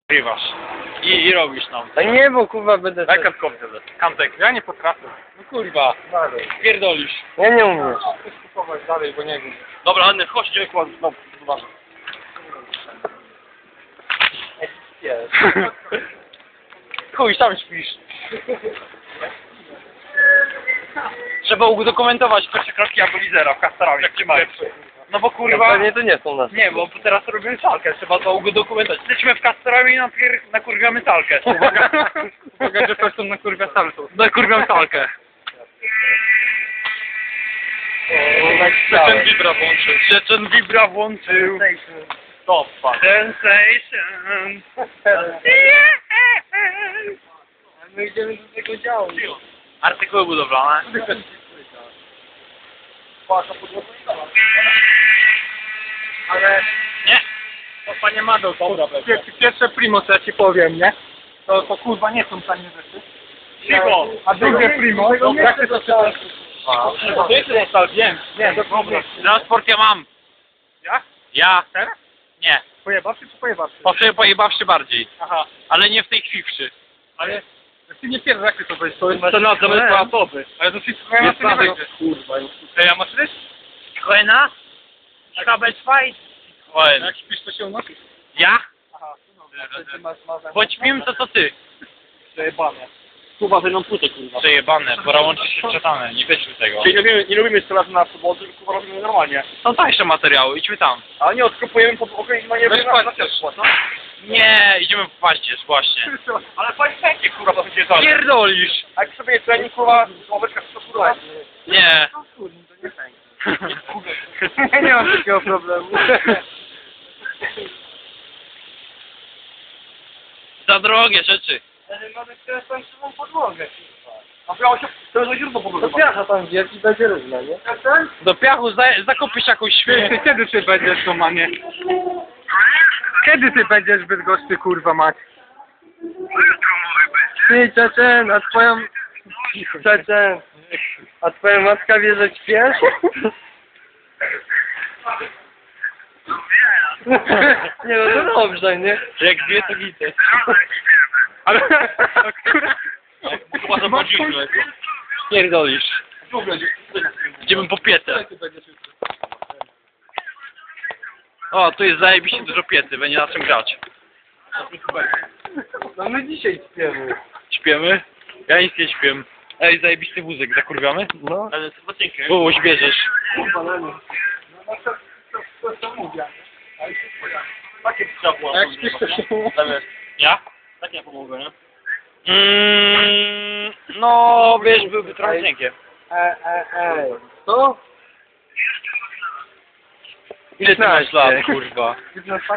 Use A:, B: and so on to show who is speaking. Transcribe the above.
A: Rywasz. I robisz nam.
B: A nie, bo kurwa będę...
A: Daj kartkowcy. Kantek. Ja nie potrafię. No kurwa. Pierdolisz.
B: Ja nie umiem.
A: Chcę skupować dalej, bo nie wiem. Dobra, Anny, chodź, idziemy kład. No, zobacz. Chuj, tam śpisz. Trzeba udokumentować pierwsze kroki Abolizera w Kastorami. Jak cię mają. No bo kurwa...
B: Pewnie to nie są nasze.
A: Nie, bo teraz robimy salkę, trzeba to udokumentować. Jesteśmy w Kastorami i nakurwiamy salkę. Uwaga, że person nakurwia salkę. Nakurwiam salkę. Czeczen Vibra włączył. Czeczen Vibra włączył. Stop, Sensation.
B: My idziemy do tego działu.
A: Artykuły budowlane.
B: Ale...
A: Nie.
B: To panie Mado, pierwsze primo, co ja ci powiem, nie? To kurwa nie są tanie rzeczy.
A: Cicho.
B: A drugie primo, jak ty to chcesz?
A: Wiem.
B: Nie, to dobra.
A: Transport ja mam.
B: Ja?
A: Ja.
B: Teraz?
A: Nie.
B: Pojebawszy czy pojebawszy?
A: Pojebawszy bardziej.
B: Aha.
A: Ale nie w tej chwilszy.
B: Ale... Ty nie pierwszy, jak ty to weź? To jest
A: na zamysł osoby.
B: Ale to wszystko ja
A: Jest
B: maszyny
A: na
B: wejdzie. Kurwa. To ja maszyny?
A: Citroena? Kabelschwein? Citroen.
B: Jak śpisz, to się unosi?
A: Ja?
B: Aha.
A: Bądź mim, to ty.
B: Przejebane. Kurwa, że nam płytę, kurwa.
A: Przejebane, pora łączyć się wczytane, nie weźmy tego.
B: Czyli nie lubimy strzelać na soboty, tylko kurwa robimy normalnie.
A: Są tańsze materiały, idźmy tam.
B: Ale nie odkupujemy pod okoliczność, nie
A: Weź
B: wiem,
A: paździerz. Nie, idziemy w paździerz, właśnie.
B: Ale paździerz, kurwa, to będzie dalej.
A: Pierdolisz!
B: A jak sobie trening, kurwa, ławeczka, to kurwa.
A: Nie.
B: Nie mam takiego problemu.
A: Za drogie rzeczy.
B: Ale mamy teraz tańszą podłogę, kurwa. A miało się, to jest źródło po prostu. To piacha tam wielki będzie równa, nie?
A: Do piachu zakupisz jakąś świnię.
B: Kiedy ty będziesz to, mamie? Kiedy ty będziesz Bydgoszczy, kurwa, mać? Ty, Czeczen, a twoją... Czeczen, a twoja matka wie, że śpiesz? Nie, no to dobrze, nie?
A: Jak dwie to gity.
B: Ale... Która...
A: Chyba zobaczymy. Pierdolisz. Idziemy po pietę. O, tu jest zajebiście dużo piety, będzie na czym grać.
B: No my dzisiaj śpiemy.
A: Śpiemy? Ja nic nie śpię. Ej, zajebisty wózek, zakurwiamy?
B: No.
A: Ale to zacienkę. Kogoś bierzesz.
B: Kurwa, no nie. No to mówię. Takie trzeba.
A: Jak śpisz, to się... Ja? Tak nie pomogę, nie? No, wiesz, byłby trochę cienkie.
B: Co?
A: Ile ty masz lat, kurwa?